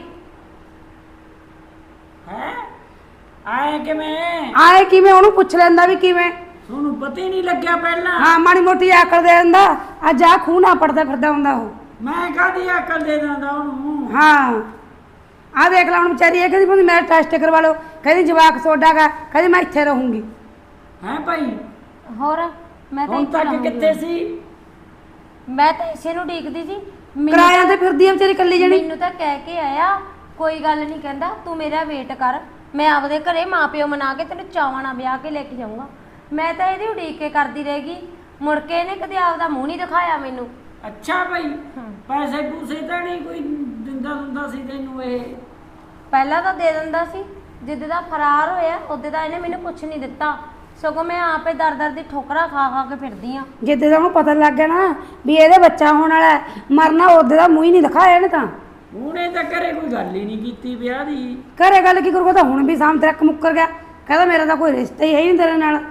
ਹੈ ਆਏ ਕਿਵੇਂ? ਆਏ ਕਿਵੇਂ ਉਹਨੂੰ ਪੁੱਛ ਲੈਂਦਾ ਵੀ ਕਿਵੇਂ। ਤੁਹਾਨੂੰ ਪਤਾ ਹੀ ਨਹੀਂ ਲੱਗਿਆ ਪਹਿਲਾਂ? ਹਾਂ ਮਾੜੀ ਮੋਟੀ ਆਕੜ ਦੇ ਦਿੰਦਾ। ਅੱਜ ਆ ਖੂਹ ਨਾ ਪੜਦਾ ਫਿਰਦਾ ਹੁੰਦਾ ਉਹ। ਮੈਂ ਕਾਹਦੀ ਅਕਲ ਦੇ ਦਿੰਦਾ ਉਹਨੂੰ? ਹਾਂ ਆ ਦੇਖ ਲੈ ਹੁਣ ਵਿਚਾਰੀ ਇਹ ਕਹਿੰਦੀ ਮੇਰਾ ਟੈਸਟ ਕਰਵਾ ਲਓ, ਕਹਿੰਦੀ ਜਵਾਕ ਸੋਡਾ ਗਾ, ਕਹਿੰਦੀ ਮੈਂ ਇੱਥੇ ਰਹੂੰਗੀ। ਹੈ ਭਾਈ ਹੋਰ ਮੈਂ ਤਾਂ ਹੁਣ ਇੱਥੇ ਤੱਕ ਰਹੂੰਗੀ। ਕਿੱਥੇ ਸੀ? ਮੈਂ ਤਾਂ ਇਸੇ ਨੂੰ ਡੀਕਦੀ ਸੀ। ਮੈਨੂੰ ਕਿਰਾਇਆਂ ਤੇ ਫਿਰਦੀ ਆ ਵਿਚਾਰੀ ਕੱਲੀ ਜਣੀ। ਮੈਨੂੰ ਤਾਂ ਕਹਿ ਕੇ ਆਇਆ ਕੋਈ ਗੱਲ ਨਹੀਂ, ਕਹਿੰਦਾ ਤੂੰ ਮੇਰਾ ਵੇਟ ਕਰ, ਮੈਂ ਆਪਦੇ ਘਰੇ ਮਾਪਿਓ ਮਨਾ ਕੇ ਤੈਨੂੰ ਚਾਵਾਂ ਨਾਲ ਵਿਆਹ ਕੇ ਲੈ ਕੇ ਜਾਊਂਗਾ। ਮੈਂ ਤਾਂ ਇਹਦੀ ਉਡੀਕ ਕੇ ਕਰਦੀ ਰਹੇਗੀ, ਮੁੜ ਕੇ ਇਹਨੇ ਕਦੇ ਆਪਦਾ ਮੂੰਹ ਨਹੀਂ ਦਿਖਾਇਆ ਮੈਨੂੰ। ਅੱਛਾ ਭਾਈ ਪੈਸੇ ਪੂਸੇ ਤਾਂ ਨਹੀਂ ਕੋਈ ਦਿੰਦਾ ਦਿੰਦਾ ਸੀ ਤੈਨੂੰ? ਇਹ ਪਹਿਲਾਂ ਤਾਂ ਦੇ ਦਿੰਦਾ ਸੀ, ਜਿੱਦ ਦਾ ਫਰਾਰ ਹੋਇਆ ਉਹਦੇ ਦਾ ਇਹਨੇ ਮੈਨੂੰ ਕੁਝ ਨਹੀਂ ਦਿੱਤਾ, ਸਗੋਂ ਮੈਂ ਆਪੇ ਦਰ ਦਰ ਦੀ ਠੋਕਰਾਂ ਖਾ ਖਾ ਕੇ ਫਿਰਦੀ ਆ। ਜਿੱਦੇ ਦਾ ਉਹਨੂੰ ਪਤਾ ਲੱਗ ਗਿਆ ਨਾ ਵੀ ਇਹਦੇ ਬੱਚਾ ਹੋਣ ਵਾਲਾ ਹੈ, ਮਰਨਾ ਉਹਦੇ ਦਾ ਮੂੰਹ ਹੀ ਨਹੀਂ ਦਿਖਾਇਆ ਇਹਨੇ ਤਾਂ। ਉਹਨੇ ਤਾਂ ਘਰੇ ਕੋਈ ਗੱਲ ਹੀ ਨਹੀਂ ਕੀਤੀ ਵਿਆਹ ਦੀ। ਘਰੇ ਗੱਲ ਕੀ ਕਰੂਗਾ, ਤਾਂ ਹੁਣ ਵੀ ਸਾਹਮ ਤੱਕ ਮੁੱਕਰ ਗਿਆ, ਕਹਿੰਦਾ ਮੇਰਾ ਤਾਂ ਕੋਈ ਰਿਸ਼ਤਾ ਹੀ ਹੈ ਹੀ ਨਹੀਂ ਤੇਰੇ ਨਾਲ।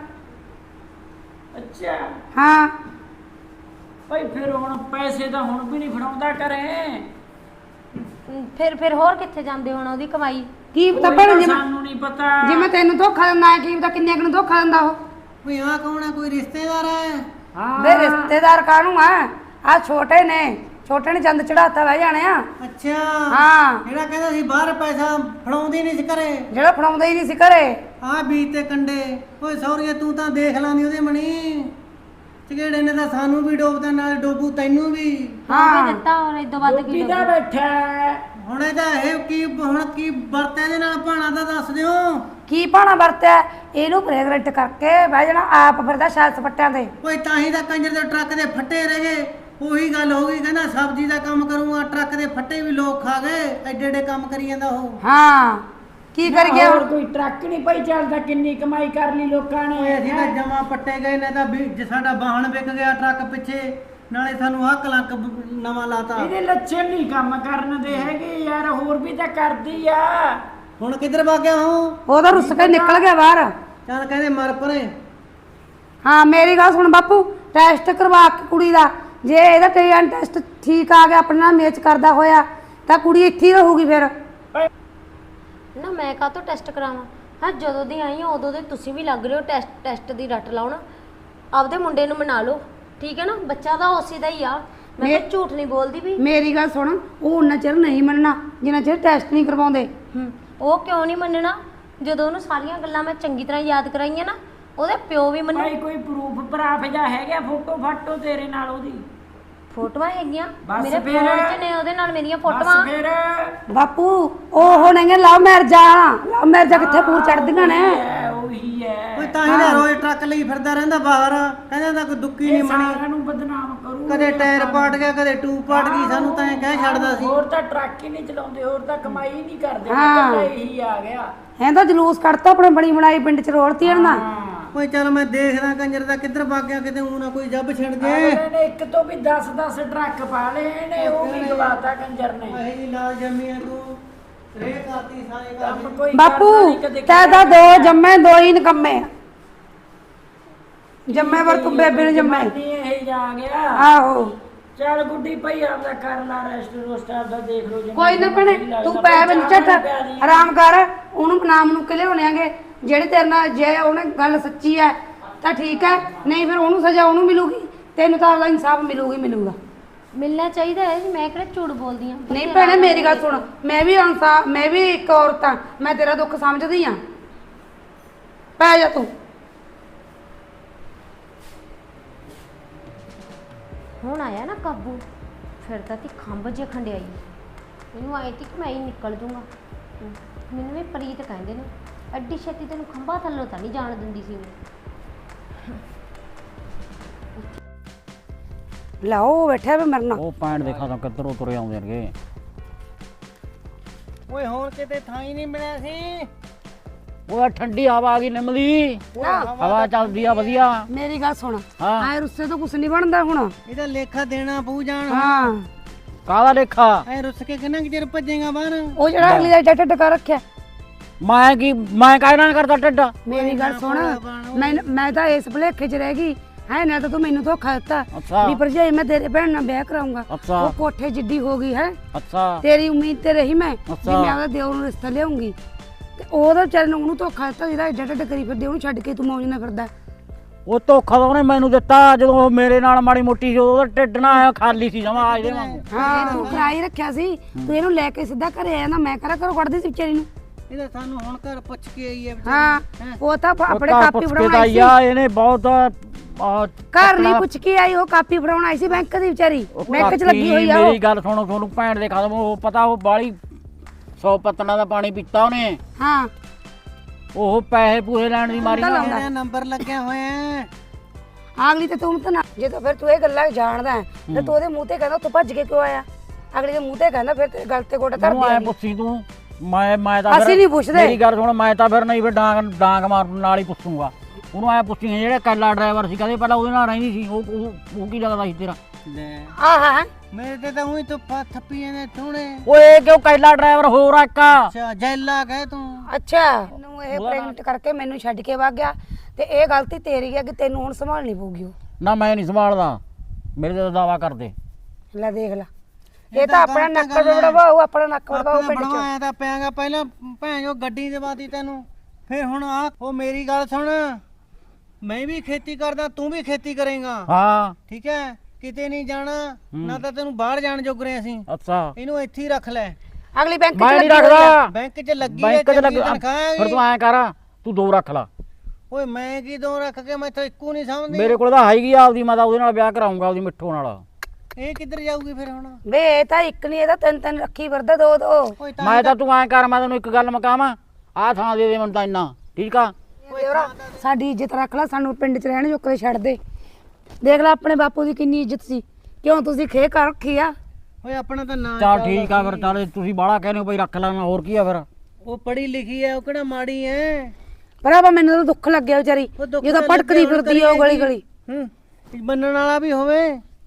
ਅੱਛਾ ਹਾਂ ਭਾਈ ਫਿਰ ਹੁਣ ਪੈਸੇ ਤਾਂ ਹੁਣ ਵੀ ਨਹੀਂ ਫੜਾਉਂਦਾ ਘਰੇ। ਫਿਰ ਫਿਰ ਹੋਰ ਕਿੱਥੇ ਜਾਂਦੇ ਹੁਣ ਉਹਦੀ ਕਮਾਈ? ਕੀ ਪਤਾ ਉਹੀ ਭੈਣ ਤਾਂ ਜੀ ਮੈਂ- ਸਾਨੂੰ ਨਹੀਂ ਪਤਾ। ਜੇ ਮੈਂ ਤੈਨੂੰ ਧੋਖਾ ਦਿੰਦਾ ਹੈ ਕੀ ਪਤਾ ਕਿੰਨੇ ਕੁ ਨੂੰ ਧੋਖਾ ਦਿੰਦਾ ਉਹ। ਕੋਈ ਆ ਕੌਣ ਹੈ? ਕੋਈ ਰਿਸ਼ਤੇਦਾਰ ਹੈ? ਹਾਂ ਵੇ ਰਿਸ਼ਤੇਦਾਰ ਕਾਹਨੂੰ ਆ, ਆ ਛੋਟੇ ਨੇ, ਛੋਟੇ ਨੇ ਚੰਦ ਚੜਾਤਾ ਬਹਿ ਜਾਣੇ ਆ। ਅੱਛਾ ਹਾਂ ਜਿਹੜਾ ਕਹਿੰਦਾ ਸੀ ਬਾਹਰ ਪੈਸਾ ਫੜਾਉਂਦੀ ਨਹੀਂ ਸੀ ਘਰੇ, ਜਿਹੜਾ ਫੜਾਉਂਦਾ ਹੀ ਨਹੀਂ ਸੀ ਘਰੇ। ਆ ਬੀਜ ਤੇ ਕੰਡੇ। ਓਏ ਸੌਰੀਏ ਤੂੰ ਤਾਂ ਦੇਖ ਲਾਂਦੀ ਉਹਦੇ ਮਣੀ, ਚਿਹੜੇ ਨੇ ਤਾਂ ਸਾਨੂੰ ਵੀ ਡੋਬਦਾ ਨਾਲ ਡੋਬੂ ਤੈਨੂੰ ਵੀ। ਹਾਂ ਵੀ ਦਿੱਤਾ ਹੋਰ ਇਦੋਂ ਵੱਧ ਕੀ ਕਿਹਦਾ ਬੈਠਾ ਹੈ? ਹੁਣ ਇਹਦਾ ਇਹ ਕੀ ਹੁਣ ਕੀ ਵਰਤਿਆ ਦੇ ਨਾਲ ਭਾਣਾ ਦਾ ਦੱਸ ਦਿਓ। ਕੀ ਭਾਣਾ ਵਰਤਿਆ ਇਹਨੂੰ ਪ੍ਰੈਗਨੈਂਟ ਕਰਕੇ ਬਹਿ ਜਾਣਾ ਆਪ ਫਿਰਦਾ ਸ਼ਾਲ ਸਪੱਟਿਆਂ ਤੇ। ਓਏ ਤਾਂ ਹੀ ਤਾਂ ਕੰਜਰ ਦੇ ਟਰੱਕ ਦੇ ਫੱਟੇ ਰਹਿ ਗਏ। ਉਹੀ ਗੱਲ ਹੋ ਗਈ, ਕਹਿੰਦਾ ਸਬਜ਼ੀ ਦਾ ਕੰਮ ਕਰੂੰਗਾ, ਟਰੱਕ ਦੇ ਫੱਟੇ ਵੀ ਲੋਕ ਖਾ ਗਏ। ਐਡੇ ਐਡੇ ਕੰਮ ਕਰੀ ਜਾਂਦਾ ਉਹ। ਹਾਂ ਕੀ ਕਰ ਗਿਆ ਹੋਰ ਕੋਈ ਟਰੱਕ ਨਹੀਂ ਭਾਈ ਚੱਲਦਾ, ਕਿੰਨੀ ਕਮਾਈ ਕਰ ਲਈ ਲੋਕਾਂ ਓਏ ਨੇ। ਅਸੀਂ ਤਾਂ ਜਮਾ ਪੱਟੇ ਗਏ ਨੇ, ਤਾਂ ਵੀ ਜੇ ਸਾਡਾ ਵਾਹਣ ਵਿਕ ਗਿਆ ਟਰੱਕ ਪਿੱਛੇ, ਨਾਲੇ ਸਾਨੂੰ ਆਹ ਕਲੰਕ ਬ- ਨਵਾਂ ਲਾਤਾ। ਇਹਦੇ ਲੱਛਣ ਨਹੀਂ ਕੰਮ ਕਰਨ ਦੇ ਹੈਗੇ ਯਾਰ, ਹੋਰ ਵੀ ਤਾਂ ਕਰਦੀ ਆ। ਹੁਣ ਕਿੱਧਰ ਵਗ ਗਿਆ ਹੂੰ? ਉਹਦਾ ਰੁੱਸ ਕੇ ਨਿਕਲ ਗਿਆ ਬਾਹਰ। ਚੱਲ ਕਹਿੰਦੇ ਮਰ ਪਰੇ। ਹਾਂ ਮੇਰੀ ਗੱਲ ਸੁਣ ਬਾਪੂ, ਟੈਸਟ ਕਰਵਾ ਕੇ ਕੁੜੀ ਦਾ, ਜੇ ਇਹਦਾ ਟੀਐਨ ਟੈਸਟ ਠੀਕ ਆ ਗਿਆ ਆਪਣੇ ਨਾਲ ਮੈਚ ਕਰਦਾ ਹੋਇਆ ਤਾਂ ਕੁੜੀ ਇੱਥੇ ਹੀ ਰਹੂਗੀ ਫਿਰ। ਨਾ ਮੈਂ ਕਾਹ ਤੋਂ ਟੈਸਟ ਕਰਾਵਾਂ? ਹਾਂ ਜਦੋਂ ਦੀ ਆਈ ਹਾਂ ਉਦੋਂ ਦੇ ਤੁਸੀਂ ਵੀ ਲੱਗ ਰਹੇ ਹੋ ਟੈਸਟ ਟੈਸਟ ਦੀ ਰੱਟ ਲਾਉਣਾ। ਆਪਦੇ ਮੁੰਡੇ ਨੂੰ ਮਨਾ ਲਓ, ਠੀਕ ਹੈ ਨਾ? ਬੱਚਾ ਤਾਂ ਉਸੇ ਦਾ ਹੀ ਆ, ਮੈਂ ਤਾਂ ਝੂਠ ਨਹੀਂ ਬੋਲਦੀ ਵੀ। ਮੇਰੀ ਗੱਲ ਸੁਣ, ਉਹ ਉਹਨਾਂ ਚਿਰ ਨਹੀਂ ਮੰਨਣਾ ਜਿੰਨਾ ਚਿਰ ਟੈਸਟ ਨਹੀਂ ਕਰਵਾਉਂਦੇ। ਹੂੰ ਉਹ ਕਿਉਂ ਨਹੀਂ ਮੰਨਣਾ? ਜਦੋਂ ਉਹਨੂੰ ਸਾਰੀਆਂ ਗੱਲਾਂ ਮੈਂ ਚੰਗੀ ਤਰ੍ਹਾਂ ਯਾਦ ਕਰਾਈਆਂ ਨਾ, ਉਹਦੇ ਪਿਓ ਵੀ ਮੰਨੂ। ਭਾਈ ਕੋਈ ਪ੍ਰੂਫ ਪ੍ਰਾਫ ਜਾਂ ਹੈਗਾ, ਫੋਟੋ ਫਾਟੋ ਤੇਰੇ ਨਾਲ ਉਹਦੀ? ਫੋਟੋਆਂ ਹੈਗੀਆਂ ਬਸ ਮੇਰੇ ਫਿਰ। ਫੋਨ 'ਚ ਨੇ ਉਹਦੇ ਨਾਲ ਮੇਰੀਆਂ ਬਸ ਫੋਟੋਆਂ। ਫਿਰ ਬਾਪੂ ਉਹ ਹੋਣਗੇ ਲਵ ਮੈਰਜਾਂ ਲਵ ਮੈਰਜਾਂ ਕਿੱਥੇ ਪੂਰ ਚੜਦੀਆਂ ਨੇ ਹੈ ਉਹੀ ਹੈ ਓਏ ਤਾਂ ਹੀ ਨਾ ਰੋਜ਼ ਟਰੱਕ ਲਈ ਫਿਰਦਾ ਰਹਿੰਦਾ ਬਾਹਰ, ਕਹਿੰਦਾ ਤਾਂ ਕੋਈ ਦੁੱਕੀ ਨਹੀਂ ਇਹ ਬਣੀ। ਸਾਰਿਆਂ ਨੂੰ ਬਦਨਾਮ ਕਰੂ ਕਦੇ ਟਾਇਰ ਪਾਟ ਗਿਆ, ਕਦੇ ਟੂਬ ਪਾਟ ਗਈ, ਸਾਨੂੰ ਤਾਂ ਐਂ ਕਹਿ ਛੱਡਦਾ ਸੀ। ਹੋਰ ਤਾਂ ਟਰੱਕ ਹੀ ਨਹੀਂ ਚਲਾਉਂਦੇ, ਹੋਰ ਤਾਂ ਕਮਾਈ ਹੀ ਨਹੀਂ ਕਰਦੇ, ਹਾਂ। ਇਕੱਲਾ ਇਹੀ ਆ ਗਿਆ। ਐਂ ਤਾਂ ਜਲੂਸ ਕੱਢਤਾ ਆਪਣੇ ਬਣੀ ਬਣਾਈ ਪਿੰਡ ਚ ਰੋਲਤੀ ਇਹਨਾਂ ਹਾਂ ਓਏ ਚੱਲ ਮੈਂ ਦੇਖਦਾ ਕੰਜਰ ਦਾ ਕਿੱਧਰ ਵਗ ਗਿਆ, ਕਿਤੇ ਊਂ ਨਾ ਕੋਈ ਜੱਬ ਛਿੜ ਜੇ। ਅਗਲੇ ਨੇ ਇੱਕ ਤੋਂ ਵੀ ਦਸ ਦਸ ਟਰੱਕ ਪਾ ਲਏ ਨੇ, ਉਹ ਵੀ ਗਵਾਤਾ ਕੰਜਰ ਨੇ। ਅਹੀ ਜੀ ਲਾਲ ਜੰਮੀ ਆ ਤੂੰ, ਰੇ ਕਰਤੀ ਸਾਰੇ ਕੰਮ ਕੰਮ। ਕੋਈ ਬਾਪੂ ਕਰਦਾ ਨੀ ਕਦੇ ਤੈ ਤਾਂ ਦੋ ਜੰਮੇ ਦੋ ਹੀ ਨਕੰਮੇ ਆ। ਜੰਮੇ ਵਰ ਤੂੰ ਬੇਬੇ ਨੂੰ ਜੰਮੇ ਜਮਾਨੀ ਇਹ ਜਾ ਗਿਆ। ਆਹੋ ਚੱਲ ਗੁੱਡੀ ਭਈ ਆਪਦਾ ਕਰ ਲਾ ਰੈਸਟ ਰੋਸਟ ਆਪਦਾ ਦੇਖ ਲੋ। ਕੋਈ ਨਾ ਭੈਣੇ ਤੂੰ ਪੈ ਬਿਨ ਝਟ ਆਰਾਮ ਕਰ, ਉਹਨੂੰ ਨਾਮ ਨੂੰ ਕਿਲੇ ਹੋਣਾਂਗੇ ਜਿਹੜੇ ਤੇਰੇ ਨਾਲ ਜੇ ਉਹਨੇ ਗੱਲ ਸੱਚੀ ਹੈ ਤਾਂ ਠੀਕ ਹੈ, ਨਹੀਂ ਫਿਰ ਉਹਨੂੰ ਸਜ਼ਾ ਉਹਨੂੰ ਮਿਲੂਗੀ, ਤੈਨੂੰ ਤਾਂ ਆਪਦਾ ਇਨਸਾਫ ਮਿਲੂਗੀ ਮਿਲੂਗਾ। ਮਿਲਣਾ ਚਾਹੀਦਾ ਹੈ, ਮੈਂ ਕਿਹੜਾ ਝੂਠ ਬੋਲਦੀ ਆ। ਨਹੀਂ ਭੈਣੇ ਮੇਰੀ ਗੱਲ ਸੁਣ, ਮੈਂ ਵੀ ਇਨਸਾਫ ਮੈਂ ਵੀ ਇੱਕ ਔਰਤ ਹਾਂ, ਮੈਂ ਤੇਰਾ ਦੁੱਖ ਸਮਝਦੀ ਹਾਂ। ਪੈ ਜਾ ਤੂੰ। ਹੁਣ ਆਇਆ ਨਾ ਕਾਬੂ, ਫਿਰ ਤਾਂ ਤੀ ਖੰਭ ਜੇ ਖੰਡਿਆਈ ਮੈਨੂੰ ਆਏ ਤੀ ਕਿ ਮੈਂ ਹੀ ਨਿਕਲ ਜੂੰਗਾ। ਹਮ, ਮੈਨੂੰ ਵੀ ਪ੍ਰੀਤ ਕਹਿੰਦੇ ਨੇ, ਐਡੀ ਛੇਤੀ ਤੈਨੂੰ ਖੰਭਾਂ ਥੱਲੋਂ ਤਾਂ ਨਹੀਂ ਜਾਣ ਦਿੰਦੀ ਸੀ ਮੈਂ। ਲਾਓ ਬੈਠਾ ਵੇ ਮਰਨਾ। ਉਹ ਪੈਣ ਦੇਖਾਂ ਤਾਂ ਕਿੱਧਰੋਂ ਤੁਰੇ ਆਉਂਦੇ ਨੇਗੇ। ਓਏ ਹੋਰ ਕਿਤੇ ਥਾਂ ਹੀ ਨਹੀਂ ਮਿਲਿਆ ਸੀ। ਉਹ ਠੰਡੀ ਹਵਾ ਆ ਗਈ ਨਿੰਮਦੀ, ਨਾ ਹਵਾ ਚੱਲਦੀ ਆ ਵਧੀਆ। ਮੇਰੀ ਗੱਲ ਸੁਣ, ਹਾਂ ਆਏ ਰੁੱਸੇ ਤੋਂ ਕੁਛ ਨਹੀਂ ਬਣਦਾ ਹੁਣ। ਇਹਦਾ ਲੇਖਾ ਦੇਣਾ ਪਊ ਜਾਣ। ਹਾਂ ਕਾਹਦਾ ਲੇਖਾ? ਐ ਰੁੱਸ ਕੇ ਕਿੰਨਾ ਕੁ ਚਿਰ ਭੱਜੇਗਾ ਬਾਹਰ। ਉਹ ਜਿਹੜਾ ਅਗਲੀ ਦਾ ਡੱਟ ਟਕਾ ਰੱਖਿਆ। ਮੈਂ ਕੀ ਮੈਂ ਕਾਹਦੇ ਨਾਲ ਕਰਦਾ ਢਿੱਡ? ਮੇਰੀ ਗੱਲ ਸੁਣ, ਮੈਂ ਮੈਂ ਤਾਂ ਇਸ ਭੁਲੇਖੇ 'ਚ ਰਹਿ ਗਈ ਹੈ ਨਾ, ਤਾਂ ਤੂੰ ਮੈਨੂੰ ਧੋਖਾ ਦਿੱਤਾ ਅੱਛਾ ਵੀ ਭਰਜਾਈ ਮੈਂ ਤੇਰੇ ਭੈਣ ਨਾਲ ਵਿਆਹ ਕਰਾਉਂਗਾ। ਅੱਛਾ ਉਹ ਕੋਠੇ ਜਿੱਡੀ ਹੋ ਗਈ ਹੈ, ਅੱਛਾ ਤੇਰੀ ਉਮੀਦ ਤੇ ਰਹੀ ਮੈਂ ਵੀ ਅੱਛਾ। ਮੈਂ ਉਹਦਾ ਦਿਓਰ ਨੂੰ ਰਿਸ਼ਤਾ ਲਿਆਉਂਗੀ, ਤੇ ਉਹਦਾ ਵਿਚਾਰੇ ਨੂੰ ਉਹਨੂੰ ਧੋਖਾ ਦਿੱਤਾ ਜਿਹੜਾ ਏਡਾ ਢੱਡ ਕਰੀ ਫਿਰਦੇ, ਉਹਨੂੰ ਛੱਡ ਕੇ ਤੂੰ ਮੌਜ ਨਾਲ ਫਿਰਦਾ। ਉਹ ਧੋਖਾ ਤਾਂ ਉਹਨੇ ਮੈਨੂੰ ਦਿੱਤਾ ਜਦੋਂ ਉਹ ਮੇਰੇ ਨਾਲ ਮਾੜੀ ਮੋਟੀ ਸੀ, ਉਹਦਾ ਢਿੱਡ ਨਾ ਆਇਆ ਖਾਲੀ ਸੀ ਜਮਾ ਆਜ ਦੇ ਵਾਂਗੂ। ਹਾਂ ਤੂੰ ਕਰਾਈ ਰੱਖਿਆ ਸੀ, ਤੂੰ ਇਹਨੂੰ ਲੈ ਕੇ ਸਿੱਧਾ ਘਰੇ ਆਇਆ ਨਾ, ਮੈਂ ਕਰਾ ਕਰੋ ਕੱਢਦੀ ਸੀ ਵਿਚਾਰੀ ਨੂੰ। ਇਹਦਾ ਸਾਨੂੰ ਹੁਣ ਘਰ ਪੁੱਛ ਕੇ ਆਈ ਹੈ ਹਾਂ ਉਹ ਤਾਂ ਉਹ ਆਪਣੇ ਘਰ ਕਾਪੀ ਪੁੱਛ ਕੇ ਫੜਾਉਣ ਤਾਂ ਆਈ ਸੀ। ਆਇਆ ਇਹਨੇ ਬਹੁਤ ਆਹ, ਘਰ ਨਹੀਂ ਪੁੱਛ ਕੇ ਆਈ, ਉਹ ਕਾਪੀ ਫੜਾਉਣ ਆਈ ਸੀ ਬੈਂਕ ਦੀ ਵਿਚਾਰੀ, ਉਹ ਬੈਂਕ 'ਚ ਕਾਪੀ, ਲੱਗੀ ਹੋਈ ਆ ਉਹ। ਮੇਰੀ ਗੱਲ ਸੁਣੋ, ਤੁਹਾਨੂੰ ਭੈਣ ਦੇ ਖਤਮ ਉਹ ਪਤਾ, ਉਹ ਬਾਲੀ ਸੌ ਪੱਤਣਾ ਦਾ ਪਾਣੀ ਪੀਤਾ ਉਹਨੇ, ਹਾਂ ਉਹ ਪੈਸੇ ਪੂਰੇ ਲੈਣ ਦੀ ਮਾਰੀ ਨਾ। ਇਹਦਾ ਨੰਬਰ ਲੱਗਿਆ ਹੋਇਆ। ਅਗਲੀ ਤੇ ਤੂੰ ਤਾਂ ਨਾ, ਜਦੋਂ ਫਿਰ ਤੂੰ ਇਹ ਗੱਲਾਂ ਜਾਣਦਾ ਹੈ, ਤੇ ਤੂੰ ਉਹਦੇ ਮੂੰਹ ਤੇ ਕਹਿੰਦਾ ਤੂੰ ਭੱਜ ਕੇ ਕਿਉਂ ਆਇਆ? ਅਗਲੀ ਦੇ ਮੂੰਹ ਤੇ ਕਹਿੰਦਾ ਫਿਰ ਤੇ ਗੱਲ ਤੇ ਗੋਡਾ ਧਰ ਤੂੰ ਐ ਦੇ। ਪੁੱਛੀ ਤੂੰ, ਮੈਂ ਮੈਂ ਤਾਂ ਅਸੀਂ ਫਿਰ- ਨਹੀਂ ਪੁੱਛਦੇ। ਮੇਰੀ ਗੱਲ ਸੁਣ, ਮੈਂ ਤਾਂ ਫਿਰ ਨਹੀਂ ਫਿਰ ਡਾਂਗ ਡਾਂਗ ਮਾਰਨ ਨਾਲ ਹੀ ਪੁੱਛੂਗਾ ਉਹਨੂੰ। ਐ ਪੁੱਛੀ ਜਿਹੜਾ ਕੱਲਾ ਡਰਾਈਵਰ ਸੀ, ਕਦੇ ਪਹਿਲਾਂ ਉਹਦੇ ਨਾਲ ਰਹਿੰਦੀ ਸੀ, ਉਹ ਉਹ ਉਹ ਕੀ ਲੱਗਦਾ ਸੀ ਤੇਰਾ? ਲੈ ਆਹ ਮੇਰੇ ਤੇ ਤਾਂ ਉਹੀ ਧੁੱਪਾਂ ਥੱਪੀਆਂ ਨੇ ਥੋੜੇ। ਓਏ ਕਿਉਂ ਕੱਲਾ ਡਰਾਈਵਰ ਹੋਰ ਆ ਇੱਕ? ਅੱਛਾ ਜੈਲਾ ਕਹੇ ਤੂੰ। ਅੱਛਾ ਨੂੰ ਇਹ ਪ੍ਰੈਗਨੈਂਟ ਕਰਕੇ ਮੈਨੂੰ ਛੱਡ ਕੇ ਵਗ ਗਿਆ, ਤੇ ਇਹ ਗਲਤੀ ਤੇਰੀ ਹੈ ਕਿ ਤੈਨੂੰ ਹੁਣ ਸੰਭਾਲਣੀ ਪਊਗੀ। ਉਹ ਨਾ ਮੈਂ ਨਹੀਂ ਸੰਭਾਲਦਾ, ਮੇਰੇ ਤੇ ਦਾਵਾ ਕਰਦੇ। ਲੈ ਦੇਖ ਲੈ, ਇਹ ਤਾਂ ਆਪਣਾ ਨੱਕ ਵੜਵਾ, ਉਹ ਆਪਣਾ ਨੱਕ ਵੜਵਾ ਉਹ ਪਿੰਡ 'ਚ। ਬਣਵਾਇਆ ਤਾਂ ਪਿਆਗਾ ਪਹਿਲਾਂ ਭੈਣ ਜੋ ਗੱਡੀ ਦੇਵਾਤੀ ਤੈਨੂੰ, ਫਿਰ ਹੁਣ ਆ। ਉਹ ਮੇਰੀ ਗੱਲ ਸੁਣ, ਮੈਂ ਵੀ ਖੇਤੀ ਕਰਦਾ, ਤੂੰ ਵੀ ਖੇਤੀ ਕਰੇਗਾ, ਹਾਂ ਠੀਕ ਹੈ? ਕਿਤੇ ਨਹੀਂ ਜਾਣਾ ਨਾ, ਤਾਂ ਤੈਨੂੰ ਬਾਹਰ ਜਾਣ ਜੋਗਰੇ ਅਸੀਂ। ਅੱਛਾ ਇਹਨੂੰ ਇੱਥੇ ਹੀ ਰੱਖ ਲੈ। ਅਗਲੀ ਬੈਂਕ 'ਚ ਮੈਂ ਨਹੀਂ ਲੱਗੀ ਹੋਈ ਆ। ਰੱਖਦਾ, ਬੈਂਕ 'ਚ ਲੱਗੀ ਹੈ, ਬੈਂਕ 'ਚ ਚੰਗੀ ਲੱਗ। ਤਨਖਾਹ ਫਿਰ ਹੈਗੀ। ਤੂੰ ਐਂ ਕਰ, ਤੂੰ ਦੋ ਰੱਖ ਲਾ। ਓਏ ਮੈਂ ਕੀ ਦੋ ਰੱਖ ਕੇ, ਮੈਂ ਤਾਂ ਇੱਕੋ ਨਹੀਂ ਸਮਝਦੀ। ਮੇਰੇ ਕੋਲ ਤਾਂ ਹੈਗੀ ਆ ਆਪਦੀ, ਮੈਂ ਤਾਂ ਉਹਦੇ ਨਾਲ ਵਿਆਹ ਕਰਾਉਂਗਾ, ਆਪਦੀ ਮਿੱਠੋ ਨਾਲ। ਇਹ ਕਿੱਧਰ ਜਾਊਗੀ ਫਿਰ ਹੁਣ? ਵੇ ਇਹ ਤਾਂ ਇੱਕ ਨਹੀਂ, ਇਹਦਾ ਤਿੰਨ ਤਿੰਨ ਰੱਖੀ ਫਿਰਦਾ, ਦੋ ਦੋ। ਓਏ ਤਾਂ ਮੈਂ ਤਾਂ ਤੂੰ ਐਂ ਕਰ, ਮੈਂ ਤੈਨੂੰ ਇੱਕ ਗੱਲ ਮਕਾਵਾਂ, ਆਹ ਥਾਂ ਦੇ ਦੇ ਮੈਨੂੰ ਤਾਂ ਇੰਨਾ, ਠੀਕ ਆ? ਸਾਡੀ ਇੱਜ਼ਤ ਰੱਖ ਲੈ, ਸਾਨੂੰ ਪਿੰਡ 'ਚ ਰਹਿਣ ਜੋਕਰੇ ਛੱਡ ਦੇ। ਦੇਖ ਲੈ ਆਪਣੇ ਬਾਪੂ ਦੀ ਕਿੰਨੀ ਇੱਜ਼ਤ ਸੀ, ਕਿਉਂ ਤੁਸੀਂ ਖੇ ਕਰ ਰੱਖੀ ਆ? ਓਏ ਆਪਣਾ ਤਾਂ ਨਾਂ ਚੱਲ ਠੀਕ ਆ ਫਿਰ, ਚੱਲ ਤੁਸੀਂ ਬਾਹਲਾ ਕਹਿੰਦੇ ਹੋ ਬਈ ਰੱਖ ਲੈਣਾ, ਹੋਰ ਕੀ ਆ ਫਿਰ? ਉਹ ਪੜ੍ਹੀ ਲਿਖੀ ਹੈ, ਉਹ ਕਿਹੜਾ ਮਾੜੀ ਹੈ? ਭਰਾਵਾ ਮੈਨੂੰ ਤਾਂ ਦੁੱਖ ਲੱਗਿਆ ਵਿਚਾਰੀ, ਉਹ ਦੁੱਖ ਜਦੋਂ ਤਾਂ ਭਟਕਦੀ ਲੱਗਿਆ, ਫਿਰਦੀ ਆ ਉਹ ਗਲੀ ਗਲੀ। ਹੂੰ ਮੰਨਣ ਵਾਲਾ ਵੀ ਹੋਵੇ।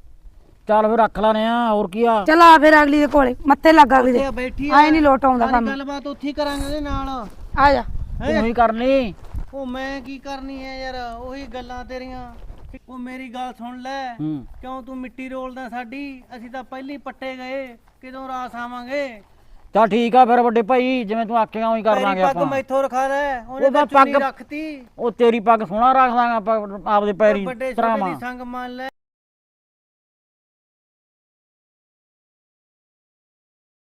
ਚੱਲ ਫਿਰ ਰੱਖ ਲੈਣੇ ਆ, ਹੋਰ ਕੀ ਆ? ਚਲ ਆ ਫਿਰ ਅਗਲੀ ਦੇ ਕੋਲੇ, ਮੱਥੇ ਲੱਗ ਅਗਲੀ ਦੇ। ਇਹ ਬੈਠੀ ਆਏ ਨਹੀਂ ਲੋਟ ਆਉਂਦਾ ਸਾਰੀ ਕੰਮ। ਗੱਲਬਾਤ ਉੱਥੇ ਹੀ ਕਰਾਂਗੇ ਉਹਦੇ ਨਾਲ। ਆ ਜਾ। ਤੂੰ ਹੀ ਕਰਨੀ। ਉਹ ਮੈਂ ਕੀ ਕਰਨੀ ਹੈ ਯਾਰ, ਉਹੀ ਗੱਲਾਂ ਤੇਰੀਆਂ। ਉਹ ਮੇਰੀ ਗੱਲ ਸੁਣ ਲੈ, ਹੂੰ ਕਿਉਂ ਤੂੰ ਮਿੱਟੀ ਰੋਲਦਾ ਸਾਡੀ? ਅਸੀਂ ਤਾਂ ਪਹਿਲੀ ਪੱਟੇ ਗਏ, ਕਿਦੋਂ ਰਾਸ ਆਵਾਂਗੇ? ਚੱਲ ਠੀਕ ਆ ਫਿਰ ਵੱਡੇ ਭਾਈ, ਜਿਵੇਂ ਤੂੰ ਆਖੇਗਾ ਉਵੇਂ ਕਰ ਲਾਂਗੇ ਤੇਰੀ ਪੱਗ ਆਪਾਂ। ਮੈਥੋਂ ਰਖਾ ਲੈ, ਉਹਨੇ ਉਹ ਤਾਂ ਪੱਗ- ਚੁੰਨੀ ਰੱਖਤੀ। ਉਹ ਤੇਰੀ ਪੱਗ ਸੋਹਣਾ ਰੱਖ ਦਾਂਗਾ ਆਪਾਂ ਆਪਦੇ ਪੈਰੀ ਵੱਡੇ ਛੋਟੇ ਧਰਾਵਾਂ। ਦੀ ਸੰਗ ਮੰਨ ਲੈ।